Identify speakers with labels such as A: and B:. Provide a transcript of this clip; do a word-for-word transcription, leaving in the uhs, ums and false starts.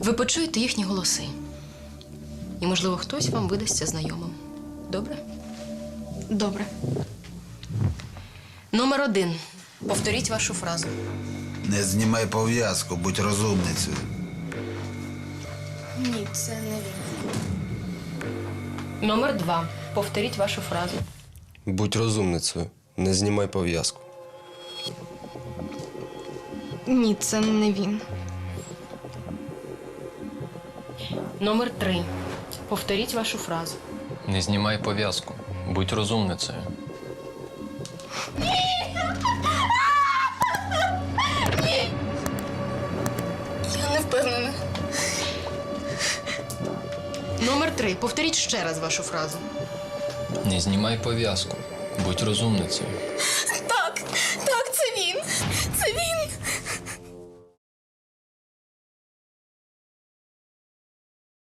A: Ви почуєте їхні голоси. І, можливо, хтось вам видасться знайомим. Добре?
B: Добре.
A: Номер один. Повторіть вашу фразу.
C: Не знімай пов'язку, будь розумницею.
B: Ні, це не він.
A: Номер два. Повторіть вашу фразу.
D: Будь розумницею, не знімай пов'язку.
B: Ні, це не він.
A: Номер три. Повторіть вашу фразу.
E: Не знімай пов'язку. Будь розумницею.
B: Я не впевнена.
A: Номер три. Повторіть ще раз вашу фразу.
E: Не знімай пов'язку. Будь розумницею.